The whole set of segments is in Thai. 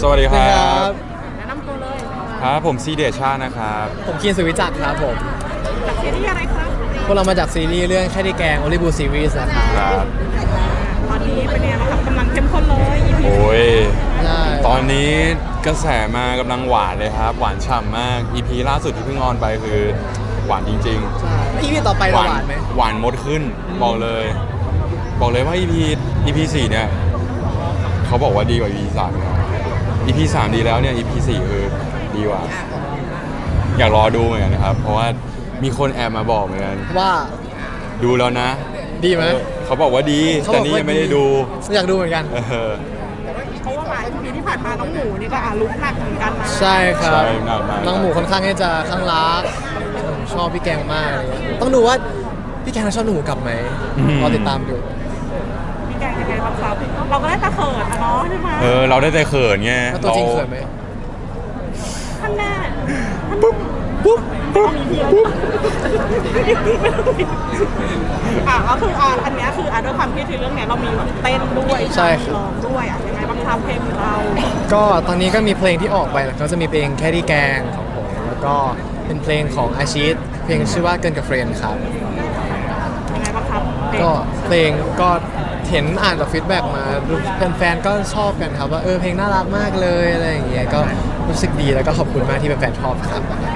สวัสดีครับแนะนำตัวเลยครับผมซีเดชชานะครับผมคีนสุวิจักรครับผมจากซีรีส์อะไรครับพวกเรามาจากซีรีส์เรื่องแค่ที่แกง Only Blue Series นะครับครับตอนนี้เป็นยังไงบ้างครับกำลังเข้มข้นเลย EP โอ้ยใช่ตอนนี้กระแสมากำลังหวานเลยครับ หวานฉ่ำมาก EP ล่าสุดที่เพิ่งออนไปคือหวานจริงใช่แล้ว EP ต่อไปๆเราหวานไหมหวานมดขึ้น บอกเลย บอกเลยว่า EP 4เนี่ยเขาบอกว่าดีกว่า EP 3นะ EP 3ดีแล้วเนี่ย EP 4คือดีกว่า อยากรอดูเหมือนกันนะครับ เพราะว่ามีคนแอบมาบอกเหมือนกันว่าดูแล้วนะดีไหมเขาบอกว่าดี แต่นี่ยังไม่ได้ดูอยากดูเหมือนกันเออเพราะว่าหลาย EP ที่ผ่านมาน้องหมูนี่ก็ลุกหนักเหมือนกันนะใช่ครับใช่หนักมากน้องหมูค่อนข้างที่จะข้างรักผมชอบพี่แกงมากอะไรเงี้ยต้องดูว่าพี่แกงจะชอบหนูกลับไหมรอติดตามดูพี่แกงยังไงบ้างครับเราก็ได้ตะเขินนะเนาะใช่ไหมเราได้แต่เขินไงแล้วตัวจริงเขินไหมท่านแน่ปุ๊บปุ๊บปุ๊บก็คืออันเนี้ยคือด้วยความที่ในเรื่องเนี้ยเรามีแบบเต้นด้วยใช่ครับร้องด้วยยังไงบ้างครับเพลงของเราก็ตอนนี้ก็มีเพลงที่ออกไปแล้วก็จะมีเพลงแค่ที่แกงของผมแล้วก็เป็นเพลงของอาชีพเพลงชื่อว่าเกินกับเฟรนด์ครับยังไงบ้างครับเพลงก็เพลงก็เห็นอ่านจากฟีดแบ็กมาแฟนๆก็ชอบกันครับว่าเพลงน่ารักมากเลยอะไรอย่างเงี้ยก็รู้สึกดีแล้วก็ขอบคุณมากที่แฟนๆชอบครับ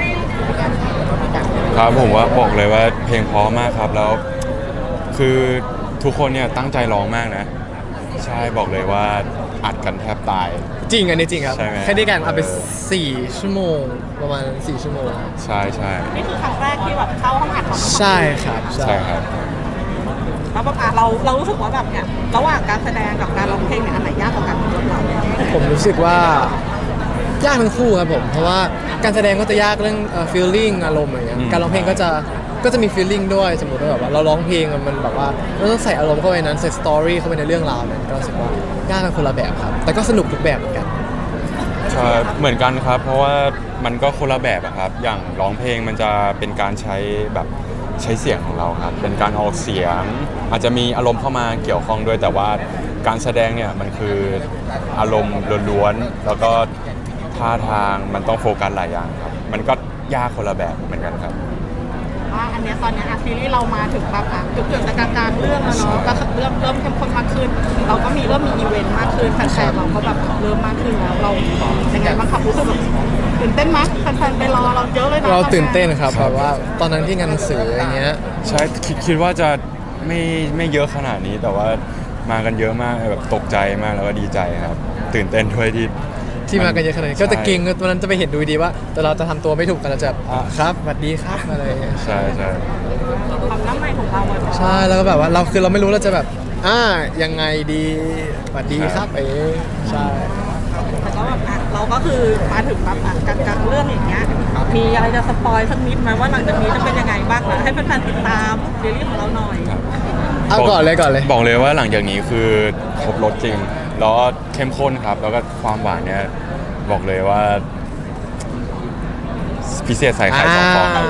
ครับผมว่าบอกเลยว่าเพลงเพราะมากครับแล้ว คือทุกคนเนี่ยตั้งใจร้องมากนะ ใช่บอกเลยว่าอัดกันแทบตายจริงอันนี้จริงครับใช่ไหมแค่ได้กันเอาไป4 ชั่วโมงประมาณ4 ชั่วโมงใช่ใช่นี่คือครั้งแรกที่แบบเข้าห้องอัดของใช่ครับใช่ครับแล้วแบบเรารู้สึกว่าแบบเนี่ยระหว่างการแสดงกับการร้องเพลงเนี่ยอันไหนยากกว่ากันสำหรับเราผมรู้สึกว่ายากทั้งคู่ครับผมเพราะว่าการแสดงก็จะยากเรื่องfeeling อารมณ์อะไรเงี้ยอืมการร้องเพลงก็จะมี feeling ด้วยสมมติว่าแบบว่าเราร้องเพลงมันแบบว่าเราต้องใส่อารมณ์เข้าไปนั้นใส่ story เข้าไปในเรื่องราวนั้นก็รู้สึกว่ายากกันคนละแบบครับแต่ก็สนุกทุกแบบเหมือนกันใช่เหมือนกันครับ เพราะว่ามันก็คนละแบบอะครับ อย่างร้องเพลงมันจะเป็นการใช้แบบใช้เสียงของเราครับ เป็นการออกเสียง อาจจะมีอารมณ์เข้ามาเกี่ยวข้องด้วย แต่ว่าการแสดงเนี่ยมันคืออารมณ์ล้วนๆแล้วก็ท่าทางมันต้องโฟกัสหลายอย่างครับ มันก็ยากคนละแบบเหมือนกันครับว่าอันเนี้ยตอนเนี้ยซีรีส์เรามาถึงแบบจุดเกิดจากกลางเรื่องแล้วเนาะก็เริ่มเข้มข้นมากขึ้น เราก็เริ่มมีอีเวนต์มากขึ้นแฟนๆเราก็แบบเริ่มมากขึ้นแล้วเรายังไงบ้างครับรู้สึกแบบตื่นเต้นไหมแฟนๆไปรอเราเยอะเลยนะเราตื่นเต้นครับแบบว่าตอนนั้นที่งานหนังสืออย่างเงี้ยใช่คิดว่าจะไม่เยอะขนาดนี้แต่ว่ามากันเยอะมากแบบตกใจมากแล้วก็ดีใจครับ ตื่นเต้นด้วยที่มากันเยอะขนาดนี้ก็จะเก่งตอนนั้นจะไปเห็นดูดีว่า แต่เราจะทำตัวไม่ถูกกันเราจะครับสวัสดีครับอะไรอย่างเงี้ยใช่ใช่ความน้ำใหม่ของเราอะใช่แล้วก็แบบว่าเราไม่รู้เราจะแบบยังไงดีสวัสดีครับใช่แต่ก็แบบเราก็คือมาถึงแบบกลางเรื่องอย่างเงี้ยมีอะไรจะสปอยสักนิดไหมว่าหลังจากนี้จะเป็นยังไงบ้างนะให้แฟนๆติดตามซีรีส์ของเราหน่อยครับเอาก่อนเลยบอกเลยว่าหลังจากนี้คือครบรสจริง แล้วก็เข้มข้นครับ แล้วก็ความหวานเนี่ยบอกเลยว่า พิเศษใส่ไข่2 ฟองครับ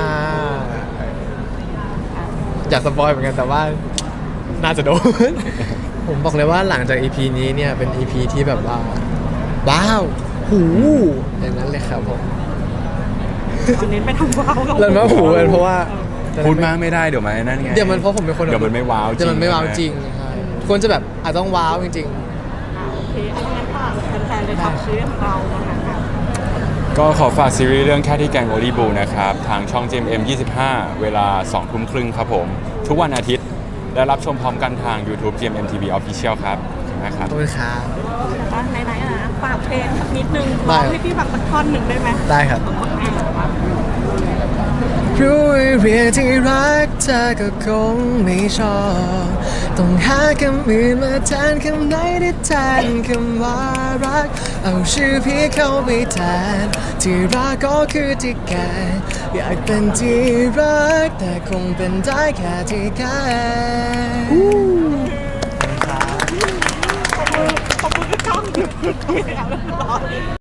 อยากสปอยเหมือนกันแต่ว่าน่าจะโดน ผมบอกเลยว่าหลังจาก EP นี้เนี่ยเป็น EP ที่แบบว่าว้าวหูอย่างนั้นเลยครับผมตอนนี้ไปทำว้าวกับแล้วมาหูเลยเพราะว่าพูดมากไม่ได้เดี๋ยวมันนั่นไงเดี๋ยวมันเพราะผมเป็นคนเดี๋ยวมันไม่ว้าวจริงเดี๋ยวมันไม่ว้าวจริงใช่ควรจะแบบอาจต้องว้าวจริงโอเคอันนี้ฝากแฟนๆเลยทำซีรีส์ของเรานะคะก็ขอฝากซีรีส์เรื่องแค่ที่แกงโอลีบูนะครับ ทางช่อง GMM 25 เวลา 20:30 นครับผม ทุกวันอาทิตย์ และรับชมพร้อมกันทาง YouTube GMM TV Official ครับขอบคุณมากคๆรับขอบคุณครับก็ไหนๆนะฝากเพลงสักนิดนึงได้ร้องให้พี่ฟังสักท่อนหนึ่งได้ไหมได้ครับ รู้เรียกที่รักเธอก็คงไม่ชอบต้องหาคำอื่นมาแทนคำไหนที่แทนคำว่ารักเอาชื่อพี่เข้าไปแทนที่รักก็คือที่แกอยากเป็นที่รักแต่คงเป็นได้แค่ที่แกขอบคุณพี่ก้อง